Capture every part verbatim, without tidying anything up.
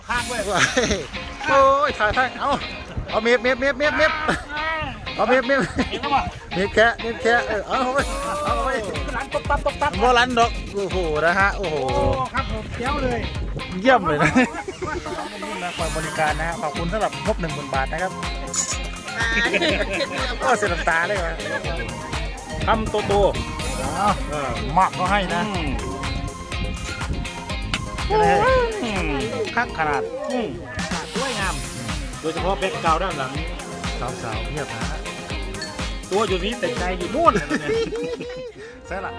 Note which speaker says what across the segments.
Speaker 1: ข้างเว้ย
Speaker 2: โอ้ยถ่ายถ่ายเอาเอาเมียบเมียบเมียบเมียบเมียบเอาเมียบเมียบ
Speaker 1: เห็นป่ะ
Speaker 2: เมียบแค่เมียบแค่เออเอาไปเอาไป
Speaker 1: ร้านตบตับตบตับ
Speaker 2: โบราณดอกโอ้โหนะฮะโอ้โห
Speaker 1: ครับผมเจ้าเลย
Speaker 2: เยี่ยมเลยนะนะคอยบริการนะฮะขอบคุณสำหรับงบหนึ่งหมื่นบาทนะครับก็เสียน้ำตาเลยว่ะ
Speaker 1: ทำโตโต
Speaker 2: มากก็ให้นะคักขนาด
Speaker 1: สวยงามโดยเฉพาะแบ็คกราวด์ด้านหลัง
Speaker 2: สาวๆเงียบนะ
Speaker 1: ตัวอยู่นี้แต่ใจอยู่นู่น
Speaker 2: ใช่ละ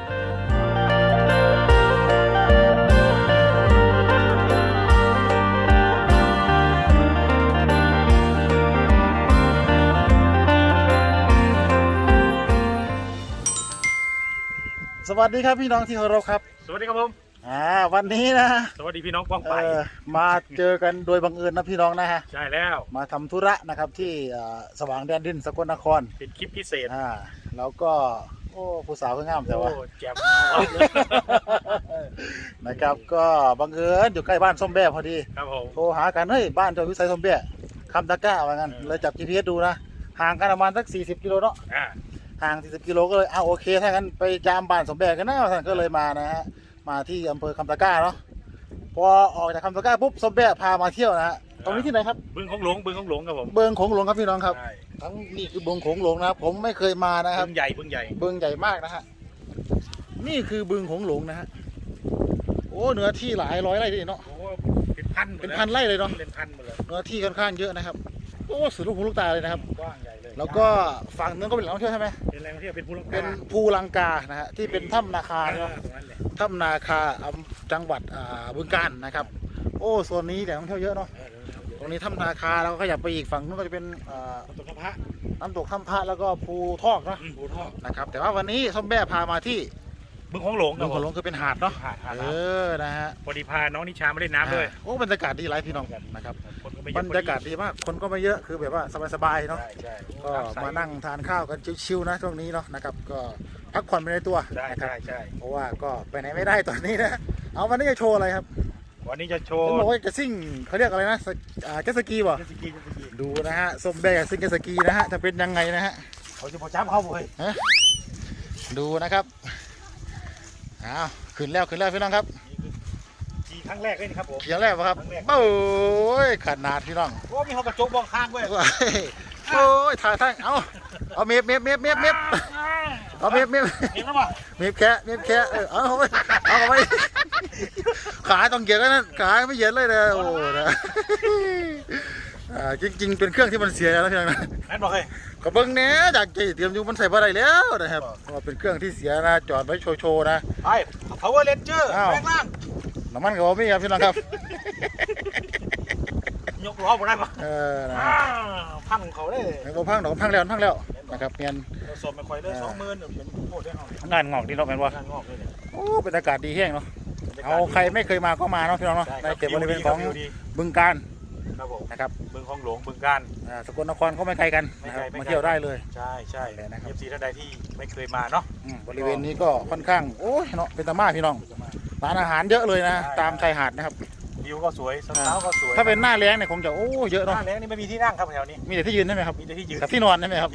Speaker 2: สวัสดีครับพี่น้องที่เคารพครับ
Speaker 1: สวัสดีครับผม
Speaker 2: อ่าวันนี้นะ
Speaker 1: สวัสดีพี่น้องป้องไป
Speaker 2: มาเจอกันโดยบังเอิญนะพี่น้องนะฮะ
Speaker 1: ใช่แล้ว
Speaker 2: มาทำธุระนะครับที่สว่างแดนดินสกลนคร
Speaker 1: เป็นคลิปพิเศษ
Speaker 2: อ่าแล้วก็โอ้ผู้สาวก็งามแต่ว่า
Speaker 1: แจ่ม
Speaker 2: นะครับก็บังเอิญอยู่ใกล้บ้านส้มแบ่พอดี
Speaker 1: ครับผม
Speaker 2: โทรหากันเฮ้ยบ้านเจ้าวิสัยส้มแบ่คำตะก้าว่างั้นเลยจับ จี พี เอส ดูนะห่างกันประมาณสักสี่สิบกิโลเนาะห่างสี่สิบกิโลก็เลยเอาโอเคถ้างั้นไปยามบ้านสมแบกกันนะท่านก็เลยมานะฮะมาที่อำเภอคำตะกร้าเนาะพอออกจากคำตะกร้าปุ๊บสมแบกพามาเที่ยวนะฮะตรงนี้ที่ไหนครับ
Speaker 1: บึงโขงหลงบึงโขงหลงครับผม
Speaker 2: บึงโขงหลงครับพี่น้องครับทั้งนี่คือบึงโขงหลงนะครับผมไม่เคยมานะครับ
Speaker 1: บึงใหญ่บึงใหญ่
Speaker 2: บึงใหญ่มากนะฮะนี่คือบึงโขงหลงนะฮะโอ้เนื้อที่หลายร้อยไร่เลยเนาะ
Speaker 1: เป็นพัน
Speaker 2: เป็นพันไร่เลยเนาะ
Speaker 1: เป็นพันหมดเลย
Speaker 2: เนื้อที่ค่อนข้างเยอะนะครับโอ้สุดลูกหูลูกตาเลยนะครับ
Speaker 1: กว้างใหญ่เลย
Speaker 2: แล้วก็ฝั่งนึงก็เป็นแหล่งท่องเที่ยวใช่ไหม
Speaker 1: เป็นแหล่งท่องเที่ยวเป็นภูลังกา
Speaker 2: เป็นภูลังกานะฮะที่เป็นถ้ำนาคาเนาะถ้ำนาคาจังหวัดบึงกาฬนะครับโอ้โซนนี้แหล่งท่องเที่ยวเยอะเนาะตรงนี้ถ้ำนาคาแล้วก็ขยับไปอีกฝั่งนู้นก็จะเป็น
Speaker 1: น้ำตกถ้ำพระ
Speaker 2: น้ำตกถ้ำพระแล้วก็ภูทอกเนาะ
Speaker 1: ภูทอก
Speaker 2: นะครับแต่ว่าวันนี้ส้มแบ่พามาที่
Speaker 1: บึงโขงหลง
Speaker 2: บึงโขงหลงคือเป็นหาดเนาะเออนะฮะ
Speaker 1: พอดีพาน้องนิชามาเล่นน้ำด้วย
Speaker 2: โอ้บรรยากาศดีหลายพี่น้องนะครับบรรยากาศดีมากคนก็ไม่เยอะคือแบบว่าสบายๆเนาะก็มานั่งทานข้าวกันชิวๆนะช่วงนี้เนาะนะครับก็พักผ่อนไปในตัวนะครับเพราะว่าก็ไปไหนไม่ได้ตอนนี้นะเอาวันนี้จะโชว์อะไรครับ
Speaker 1: วันนี้จะโชว์
Speaker 2: บอกว่าจะซิ่งเขาเรียกอะไรนะเจ็ตสกีป่ะดูนะฮะส้มแบ่ซิ่งเจ็ตสกีนะฮะจะเป็นยังไงนะฮะ
Speaker 1: เขาจะพอจ้ำเข้าเลย
Speaker 2: ดูนะครับอ้าวขึ้นแล้วขึ้นแล้วพี่น้องครับ
Speaker 1: ขี่ครั้งแรกเลยครับผม
Speaker 2: ขี่ครั้งแรกป่ะครับโอ้ยขนาดพี่น้อง
Speaker 1: โอ้มีเขากระจกมองข้างด้วย
Speaker 2: โอ้ยถ่ายถ่ายเอาเอาเมียบเมียบเมียบเมียบเมียบเอาเมียบเมียบ
Speaker 1: เห็นแล้วป่ะ
Speaker 2: เมียบแค่เมียบแค่เออเอาไปเอาไปขาต้องเหยียดแล้วนั่นขาไม่เหยียดเลยนะโอ้นะจริงๆเป็นเครื่องที่มันเสียแล้วพี่น้องนะ
Speaker 1: นั่นบอกเลย
Speaker 2: กระเบื้องเนี้ยจากจีเตรียมอยู่มันใส่อะไรแล้วนะครับเป็นเครื่องที่เสียนะจอดไว้โชว์ๆนะ
Speaker 1: ไอ้ Power Ranger แรงล่าง
Speaker 2: น้ำมันกับผมนี่ครับพี่น้องครับ
Speaker 1: ยกล้อผมได้ปะ
Speaker 2: เออนะ
Speaker 1: พังเขาเลย
Speaker 2: เราพังเราพังแล้วพังแล้วนะครับเมียน
Speaker 1: สดไม่ค่อยเลยสองหมื่นเป็นโคตรได้เอา
Speaker 2: งานงอกดีเนาะแมนว่าโอ้เป็นอากาศดีแห้งเนาะเอาใครไม่เคยมาก็มาเนาะพี่น้องเนาะในเขตบริเวณของบึงกาฬนะครับ
Speaker 1: บึงคลองหลวงบึงกาฬ
Speaker 2: สกลนครก็ไม่ไกลกันมาเที่ยวได้เลย
Speaker 1: ใช่ใช่เลยนะครับเอฟซีท่านใดที่ไม่เคยมาเนาะ
Speaker 2: บริเวณนี้ก็ค่อนข้างโอ้ยเนาะเป็นตะมาพี่น้องร้านอาหารเยอะเลยนะตามชายหาดนะครับ
Speaker 1: วิวก็สวยสาวก็สวย
Speaker 2: ถ้าเป็นหน้าแล้งเนี่ยคงจะโอ้เยอะเนาะ
Speaker 1: หน้าแล้งนี่ไม่มีที่นั่งครับแถวนี้
Speaker 2: มีแต่ที่ยืนใช่ไหมครับ
Speaker 1: มีแต่ที่ยืน
Speaker 2: กับที่นอนใช่ไหมครับ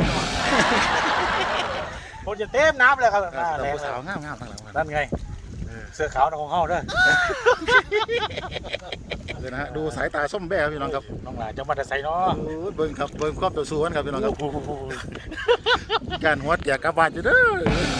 Speaker 1: คนจะเต็มน้ำเลยครับหน้าแล้ง
Speaker 2: สาวงามงามทั้งหลัง
Speaker 1: นั่นไงเสื้อขาวของเขาเด้อ
Speaker 2: เลยนะฮะดูสายตาส้มแบ่พี่น้องครับ
Speaker 1: น้องหลานจะมาแต่ใส่เนาะ
Speaker 2: เบิ้งครับเบิ้งครอบตัวสูงครับพี่น้องครับการหัวอยากกระบาดอยู่เด้อ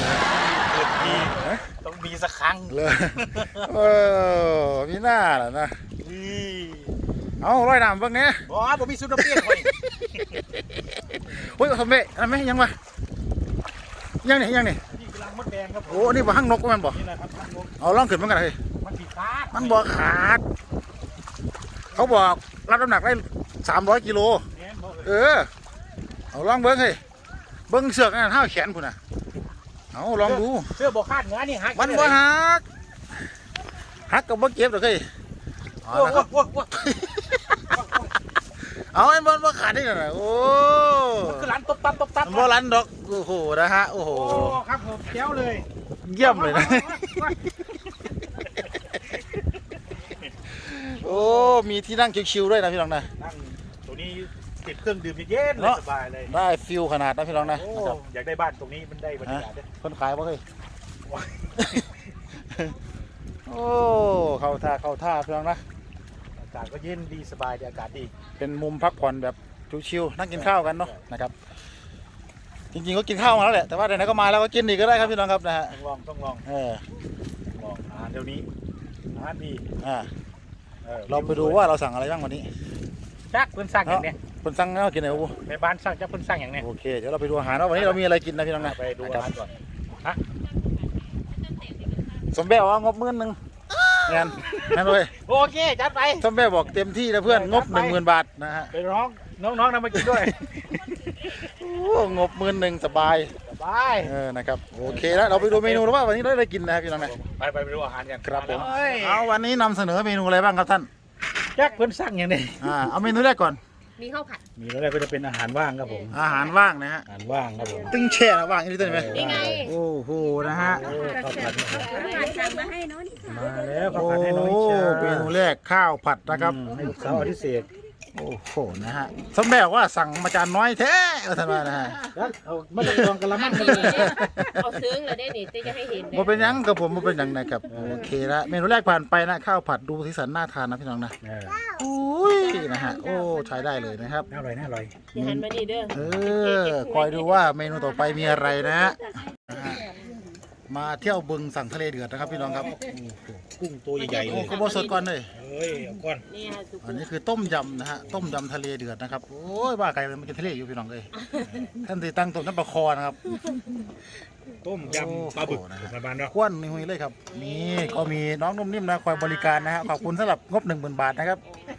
Speaker 1: ต้องมีสักครั้ง
Speaker 2: เลยเออพี่หน้าแหละนะเอาร้อยน้ำเบิ้งเนี้ย
Speaker 1: อ๋อผมมีซุปน้ำเปรี้ยวเลย
Speaker 2: โอ้ยทำไมทำไมยังวะยังนี่ยังนี่โอ้นี่บ่หั่งนกก็มันบ่เอาล่องขึ้นมันกันเลยมันบ่ขาดเขาบอกรับน้ำหนักได้สามร้อยกิโลเออเอาลองเบิ้งเลยเบิ้งเสือกนั่นห้าแขนพุ่นน่ะเอาลองดู
Speaker 1: เสื้อบ่ขาดเนื้อนี่ฮัก
Speaker 2: มันบ่ฮักฮักกับบ่เก็บหรอกเฮ้ยเอาไอ้บอลบ่ขาดได้ยังไงโอ้
Speaker 1: คือร้านตบตับตบตับ
Speaker 2: บ่ร้านดอกโอ้โหนะฮะโอ้โห
Speaker 1: ครับผมเจ้าเลย
Speaker 2: เยี่ยมเลยนะโอ้มีที่นั่งชิวๆด้วยนะพี่น้องนะ
Speaker 1: นั่งตัวนี้ติดเครื่องดื่มเย็นๆเลยสบายเลย
Speaker 2: ได้ฟิลขนาดนะพี่น้องนะ
Speaker 1: โอ้
Speaker 2: นะครับ
Speaker 1: อยากได้บ้านตรงนี้มันได้บรรยากาศด้วย
Speaker 2: คนขายบ่เคยโอ้เข้าท่าเข้าท่าพี่น้องนะ
Speaker 1: อากาศก็เย็นดีสบายดีอากาศดี
Speaker 2: เป็นมุมพักผ่อนแบบชิวๆนั่งกินข้าวกันเนาะนะครับจริงๆก็กินข้าวมาแล้วแหละแต่ว่าไหนๆก็มาแล้วก็กินอีกก็ได้ครับพี่น้องครับนะฮะ
Speaker 1: ต้องลองต้องลอง
Speaker 2: เออ
Speaker 1: ลองอาหารเดี๋ยวนี้อาหารดี
Speaker 2: อ่า
Speaker 1: ออ
Speaker 2: เราไปดูว่าเราสั่งอะไรบ้างวันนี้
Speaker 1: จักเพิ่นสั่งอย่างเนี้ย
Speaker 2: คนสั่งแล้วกินอะไรบ้าง
Speaker 1: ในบ้านสั่งจักเพิ่นสั่งอย่างเนี้ย
Speaker 2: โอเคเดี๋ยวเราไปดูอาหารว่าวันนี้เรามีอะไรกินนะพี่น้องนะ
Speaker 1: ไปดู
Speaker 2: ค
Speaker 1: อา
Speaker 2: รับ
Speaker 1: หารก่อนฮะ
Speaker 2: สมแบ้ว่างบหมื่นหนึ่งงานนั่นเลย
Speaker 1: โอเคจัดไป
Speaker 2: สมแบ้บอกเต็มที่นะเพื่อนงบหนึ่งหมื่นบาทนะฮะ
Speaker 1: ไปร้องน้องๆนำมากินด้วย
Speaker 2: โอ้งบหมื่นหนึ่งสบาย
Speaker 1: สบาย
Speaker 2: เออนะครับโอเคแล้วเราไปดูเมนูแล้วว่าวันนี้เราได้กินนะครับพี่น้องนะ
Speaker 1: ไปไปไปดูอาหารกัน
Speaker 2: ครับผม
Speaker 1: เอ้ย
Speaker 2: เอาวันนี้นำเสนอเมนูอะไรบ้างครับท่าน
Speaker 1: จักเพิ่นสั่งอย่างนี้
Speaker 2: อ่าเอาเมนูแรกก่อน
Speaker 3: มีข้าวผัด
Speaker 1: มีแล้วก็จะเป็นอาหารว่างครับผม
Speaker 2: อาหารว่างนะฮะ
Speaker 1: อาหารว่างครับผม
Speaker 2: ตึ้งแช่นะว่างนี่ได้ไหม
Speaker 3: นี่ไง
Speaker 2: โอ้โหนะฮะ
Speaker 1: โอ้ข้าวผัด
Speaker 3: ผัดสั่งมาให้น้องนี่ค่ะ
Speaker 1: มาแล้วข้าว
Speaker 2: โอ้
Speaker 1: ผัดให้น้องนิชา
Speaker 2: เมนูแรกข้าวผัดนะครับ
Speaker 1: อืมให้ลูกสาวอธิเศษ
Speaker 2: โอ้โหนะฮะสมแบ้บอกว่าสั่งมาจานน้อยแท้ก็ท่านว่านะฮะ
Speaker 1: แล้วเอาไม่ต้องลองกันละมั้ง
Speaker 3: เอาซึ้งเลยได้นี่จะให้เห็น
Speaker 2: บ่เป็นหยังกับผมบ่เป็นหยังนะครับโอเคละเมนูแรกผ่านไปนะข้าวผัดดูสีสันน่าทานนะพี่น้องนะ
Speaker 1: เออ
Speaker 2: โอ้ยนะฮะโอ้ใช้ได้เลยนะครับ
Speaker 1: น่าอร่อยน่าอร่อย
Speaker 3: อย่าหันมานี่เด้อ
Speaker 2: เออคอยดูว่าเมนูต่อไปมีอะไรนะฮะนะฮะมาเที่ยวบึงสั่งทะเลเดือดนะครับพี่น้องครับ
Speaker 1: กุ้งตัวใหญ่ๆเล
Speaker 2: โอ้
Speaker 1: ย
Speaker 2: ขบวนสดก่อนเลย
Speaker 1: เฮ้ยเอาก่อน
Speaker 3: นี่ค่ะทุกค
Speaker 2: อัน
Speaker 3: น
Speaker 2: นี้คือต้มยำนะฮะต้มยำทะเลเดือดนะครับโอ้ยว่าไก่มันกินทะเลอยู่พี่น้องเลยท่านตีตั้งต้มน้ำปลาคอนะครับ
Speaker 1: ต้มยำปลาบึก
Speaker 2: โอ้นะ
Speaker 1: ประมาณเนาะ
Speaker 2: ควนนี่หุยเลยครับนี่ก็มีน้องนุ่มนิ่มนะคอยบริการนะฮะขอบคุณสำหรับงบหนึ่งหมื่นบาทนะครับ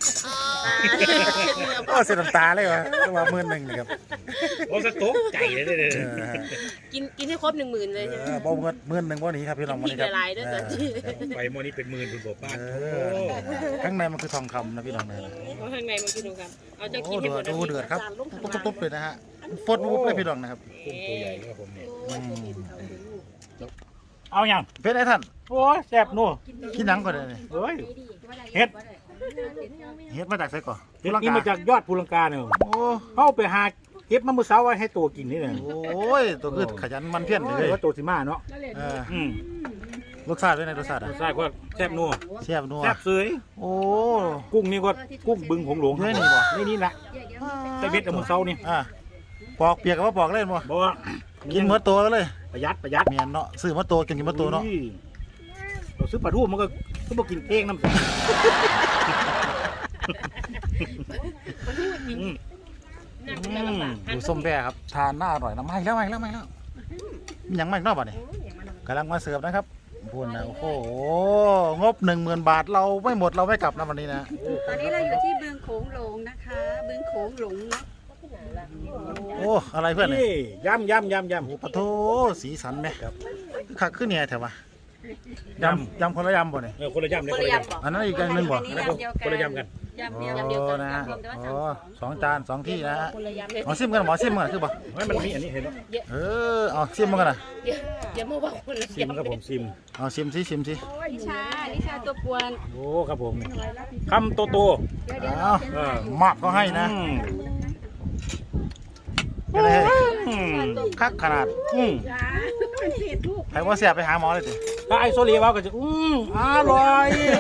Speaker 2: ก็เสียน้ำตาเลยวะว่าหมื่นหนึ่งเลยครับ
Speaker 1: โอ้สต๊อกไก่เลยเนี่ย
Speaker 2: เออฮะ
Speaker 3: กินกินให้ครบหนึ่งหมื่นเลยใช่ไหม
Speaker 2: เออบ่เงินหมื่นหนึ่งบ่หนี้ครับพี่น้องวัน
Speaker 3: ผิด
Speaker 2: นี้ครับ
Speaker 3: ละลายด้วย
Speaker 2: เอ
Speaker 3: สั
Speaker 2: อ
Speaker 3: จี
Speaker 1: ไปโมอนี้เป็นหมื่นคุณบอกป้า
Speaker 2: เอ
Speaker 1: โอ้
Speaker 2: อข้างในมันคือทองคำนะพี่น้องนะ
Speaker 3: ข้างในมันกินดูกันเอาจะ
Speaker 2: โอ้
Speaker 3: กินให้
Speaker 2: เดื
Speaker 3: หม
Speaker 2: อ
Speaker 3: ด
Speaker 2: ดดูเดือดครับตุ๊บๆเลยนะฮะฟดปุ๊บเลยพี่น้องนะครับ
Speaker 1: กุ้งตัวใหญ่ครับผมเนี่ย
Speaker 2: อืม
Speaker 1: เอาอย่าง
Speaker 2: เป็นไอ้ท่าน
Speaker 1: โอ้ยแซ่บนัว
Speaker 2: กินหนังก่อนเลย
Speaker 1: เฮ้ยเฮ็ด
Speaker 2: เฮ็ดมาจากไสก่อน
Speaker 1: เฮ็ดนี่มาจากยอดภูลังกาเนี่ย
Speaker 2: โอ้
Speaker 1: เข้าไปหาเก็บมาเมื่อเช้าไว้ให้ตัวกินนี่เนี่ย
Speaker 2: โอ้ยตัวคือขยันมันเพี้ยนเลย
Speaker 1: ว่าตัวสิมาเนาะ
Speaker 2: เออ
Speaker 1: อืม
Speaker 2: รสชาติเป็นไงรสชาติอ่ะ
Speaker 1: ใช่ก็แซ่บนัว
Speaker 2: แซ่บนัว
Speaker 1: แซ่บเสย
Speaker 2: โอ้
Speaker 1: กุ้งนี่ก็กุ้งบึงหงหลวง
Speaker 2: เฮ้ยนี่บ่
Speaker 1: นี่นี่แหละใส่เบ็ดเอามื่อเช้านี่
Speaker 2: อ่ะปอกเปียกกับว่าปอกเล่นบ่
Speaker 1: บอกว่า
Speaker 2: กินหมดตัวเลย
Speaker 1: ประหยัดประหยัด
Speaker 2: เมียนเนาะซื้อหมดตัวกินกินหมดตัวเนาะ
Speaker 1: อุ้ยเราซื้อปลาทูมันก็ก็บอกกินเองน้ำอืม
Speaker 2: ดูส้มแบ่ครับทานน่าอร่อยนะไม่แล้วไม่แล้วไม่แล้วมีหยังไม่นอกบ่เนี่ยกำลังมาเสิร์ฟนะครับพูดนะโอ้โหงบหนึ่งหมื่นบาทเราไม่หมดเราไม่กลับนะวันนี้นะ
Speaker 4: ตอนนี้เราอยู่ที่บึงโขงหลงนะคะ บึงโขงหลงเนาะ
Speaker 2: โอ้อะไรเพื่อนเนี่ย
Speaker 1: นี่ยำยำยำยำ
Speaker 2: โอ้ปะโถสีสันไหมครับคักขึ้นเนี่ยแถววะยำยำคนละยำบ่เนี่ย
Speaker 1: เออคนละยำเลย
Speaker 3: ค
Speaker 1: คน น
Speaker 3: ละ
Speaker 1: ละ
Speaker 3: ยำ
Speaker 1: ยำ
Speaker 3: บอก
Speaker 2: อันนั้นอีกอันหนึงบ่
Speaker 4: อันนี้ยำเดียวกัน
Speaker 1: คนละยำกัน
Speaker 4: ยำเดียว
Speaker 3: ยำเดียวกัน
Speaker 2: โอ้นะฮะ
Speaker 4: รวมแต่ว่า
Speaker 2: โอ้
Speaker 4: สั่งสอง
Speaker 2: สองจานสองที่นะฮะ
Speaker 3: คนละยำเลย
Speaker 2: หมอซิมกันหมอซิมกันคือบ่
Speaker 1: ไม่มันมีอันนี้เห็นไหม
Speaker 2: เออเอาซิมมันกันนะ
Speaker 3: เดี๋ยวเดี๋ยวมาว่าคนละ
Speaker 1: ซิม
Speaker 3: ยำ
Speaker 1: ครับผมซิม
Speaker 2: เอาซิมซิซิมซิ
Speaker 4: นิชานิชาตัวปวน
Speaker 1: โอ้ครับผมคำโตโต
Speaker 2: เอา
Speaker 1: เออ
Speaker 2: หมักก็ให้นะ
Speaker 1: อืม
Speaker 2: เป็นไง
Speaker 1: อืม
Speaker 2: คักขนาด
Speaker 1: อืม
Speaker 2: ใครว่าเสียไปหาหมอเลยสิ
Speaker 1: ถ้าไอโซเลียว่าก็จะอืมอร่อย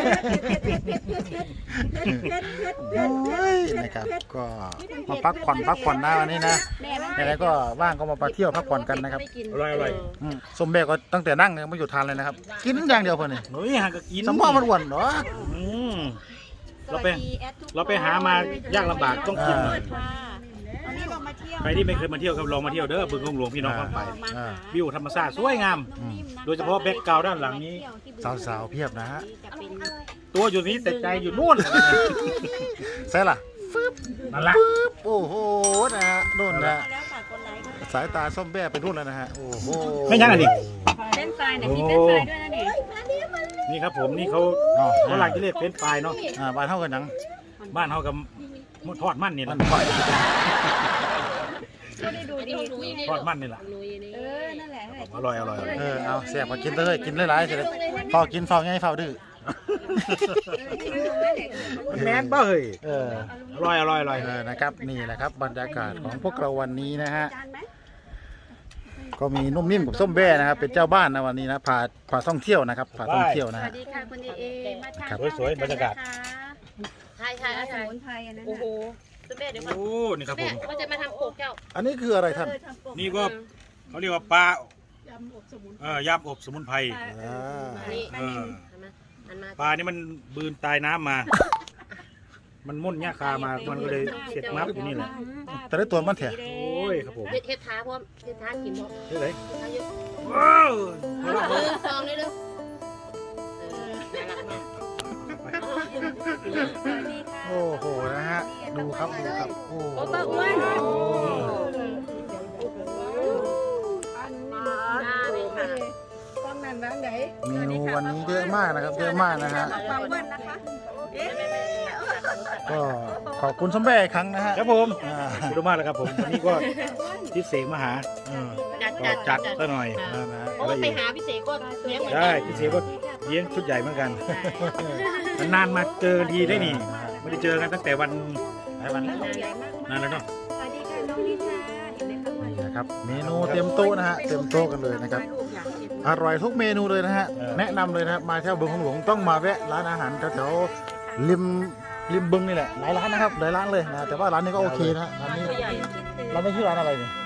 Speaker 2: โอ้ยนะครับก็มาพักผ่อนพักผ่อนนะวันนี้นะไหนๆก็ว่างก็มาไปเที่ยวพักผ่อนกันนะครับ
Speaker 1: อร่อยอร่อย
Speaker 2: อืมส้มแบกก็ตั้งแต่นั่งยังไม่หยุดทานเลยนะครับกินอย่างเดียวเพื่อนนี่
Speaker 1: เฮ้ยหากกิน
Speaker 2: สมองมันอ้วนเหรอ
Speaker 1: อืมเราไปเราไปหามายากลำบากต้องกินหน่อย
Speaker 4: ค่ะวันนี้เรามาเที่ยว
Speaker 1: ใครที่ไม่เคยมาเที่ยวครับลองมาเที่ยวเด้อบึงกงหลวงพี่น้องฟังไป
Speaker 4: มาหา
Speaker 1: วิวธรรมชาติสวยงาม โดยเฉพาะแบ็คกราวด์ด้านหลังนี้
Speaker 2: สาวๆเพียบนะฮะ
Speaker 4: จะเป็น
Speaker 1: ตัวอยู่นี้แต่ใจอยู่นู่น
Speaker 2: ใช่ล่ะ
Speaker 1: นั่นแหละ
Speaker 2: ปึ๊บโอ้โหนะฮะนู่นนะ
Speaker 4: แล้วฝากกดไลค์ด้วย
Speaker 2: สายตาส้มแบ่ไปนู่นแล้วนะฮะโอ้โห
Speaker 1: ไม่ยังอันนี้
Speaker 4: เส้นทรายเนี่ยมีเส้นทรายด้วยนะเนี่ย
Speaker 1: นี่ครับผมนี่เขา
Speaker 2: อ๋อ
Speaker 1: เขาหลังจะเรียกเฟรนช์ฟรายเนาะ
Speaker 2: อ่าบ้านเท่ากันยัง
Speaker 1: บ้านเขากับทอดมันนี่
Speaker 2: มั
Speaker 1: นะ
Speaker 2: นปล่อย
Speaker 4: ก็ได้ดูดี
Speaker 1: ทอดมันนี่แหละ
Speaker 4: เออ นั่นแหละนั่นแหละ
Speaker 1: อร่อยอร่อยอร่อย
Speaker 2: เออเอาแซ่บมากินเลยกินหลายๆเสร็จแล้วเฝ้ากินเฝ้าไงเฝ้าดื้อ
Speaker 1: มันแมนป่ะเฮ้ย
Speaker 2: เออ
Speaker 1: อร่อยอร่อยอร่อย
Speaker 2: เออนะครับนี่แหละครับบรรยากาศของพวกเราวันนี้นะฮะก็มีนุ่มนิ่มกับส้มแบ้นะครับเป็นเจ้าบ้านนะวันนี้นะพาพาท่องเที่ยวนะครับพาท่องเที่ยว
Speaker 4: ส
Speaker 2: นะ
Speaker 4: วั
Speaker 2: ฮะ
Speaker 4: สดีค่ะคุณเอเอมาทาน
Speaker 2: ครับ
Speaker 1: สวยๆบรรยากาศ
Speaker 3: ใช่ใช่
Speaker 4: ส
Speaker 3: ใช่
Speaker 4: มุนไพรอันนั้น
Speaker 3: โอ้โหแม่เดี๋ยวก่อน
Speaker 1: โอ้นี่ครับผ
Speaker 3: แม่
Speaker 1: ม
Speaker 3: ว่าจะมาทำโขกเจ้า
Speaker 2: อันนี้คืออะไรท่าน
Speaker 1: นี่ก็เขาเรียกว่าปลาเออยำอบสมุนไพร
Speaker 2: อ่า
Speaker 3: นี่
Speaker 1: เออ
Speaker 3: อันมาอันมา
Speaker 1: ปลานี่มันบืนตายน้ำมา มันม่นหญ้าคามามันก็เลยเสียดมับอยู่นี่แหละ
Speaker 2: แต่ได้ตัวมันแถะ
Speaker 1: โอ้ยครับผม
Speaker 3: เฮ็ดเฮ็ดท้าพร้อมเฮ็ดท้ากินพร้อม
Speaker 1: เฮ้ยเลย
Speaker 3: เฮ็ดท้าเยอะ
Speaker 1: ว้าว
Speaker 3: เออซองเลยเด้อเออน่ารักมาก
Speaker 4: สวัสดีค่ะ
Speaker 2: โอ้โหนะฮะดูครับดูครับโอ้
Speaker 3: โอ้ป้าอ้วน
Speaker 2: โอ้
Speaker 3: ได้เลยค่ะ
Speaker 4: กล้องนั้นร้านไหน
Speaker 2: เมนูวันนี้เยอะมากนะครับเยอะมากนะฮะ
Speaker 4: ปลาอ้วนนะคะเอ๊ะ
Speaker 2: ก็ขอบคุณส้มแบ้อีกครั้งนะฮะ
Speaker 1: ครับผม
Speaker 2: อ่า
Speaker 1: ขอบคุณมากเลยครับผมวันนี้ก็พิเศษมาหา
Speaker 2: เออ
Speaker 3: จัด
Speaker 1: ก็
Speaker 3: จัด
Speaker 1: จัดซะหน่อย
Speaker 2: นั่นนะฮะ
Speaker 3: เพราะว่าไปหาพี่เสกก็เลี้ยงเหมือนกั
Speaker 1: ได้
Speaker 3: น
Speaker 1: พิเศษก็เลี้ยงชุดใหญ่เหมือนกันนานๆมาเจอกันทีได้นี่ไม่ได้เจอกันตั้งแต่วันหลายวันแล้วนานแล้วเนาะ
Speaker 4: สวัสดีค่ะน้องนิชาเห็นไหมคะว่า
Speaker 2: นี่นะครับเมนูเต็มโต๊ะนะฮะเต็มโต๊ะกันเลยนะครับอร่อยทุกเมนูเลยนะฮะแนะนำเลยนะครับมาเที่ยวบึงของหลวงต้องมาแวะร้านอาหารแถวๆริมริมบึงนี่แหละหลายร้านนะครับหลายร้านเลยนะแต่ว่าร้านนี้ก็โอเคนะร้านนี้
Speaker 3: ตัวใหญ่
Speaker 2: ร้านนี้ชื่อร้านอะไรเนี่ย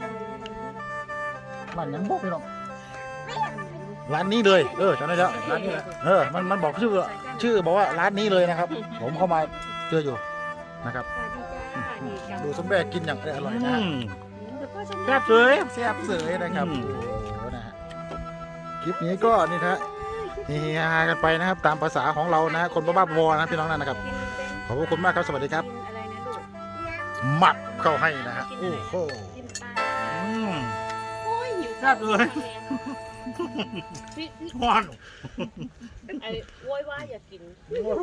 Speaker 2: ร้านยังบอกพี่น้องร้านนี้เลยเออจำได้แล้วร้านนี้แหละเออมันมันบอกชื่อชื่อบอกว่าร้านนี้เลยนะครับ ผมเข้ามาเจออยู่นะครับ
Speaker 4: สวัสดีจ้านี่กับ
Speaker 2: ดูส้มแบกกินอย่างอร่อยนะฮะ
Speaker 4: เดี๋ยวพ่อชม
Speaker 1: แซ่บเลย
Speaker 2: แซ่บเสยนะครับ
Speaker 1: อืม
Speaker 2: โอ้โหนะฮะคลิปนี้ก็นี่นะฮะเฮฮากันไปนะครับ ตามภาษาของเรานะฮะคนบ้าๆบอๆนะพี่น้องนั่นนะครับ
Speaker 4: กินเป็น
Speaker 2: ขอบคุณมากครับสวัสดีครับ
Speaker 4: กินอะไรนะลูก
Speaker 2: หมัดเข้าให้นะฮะโอ้โห
Speaker 4: กินปลา
Speaker 1: อืม
Speaker 3: โอ้ยหิว
Speaker 1: แซ่บเลย
Speaker 3: พี่พี่
Speaker 1: หวาน
Speaker 3: ไอ้โวยวายอยากกิน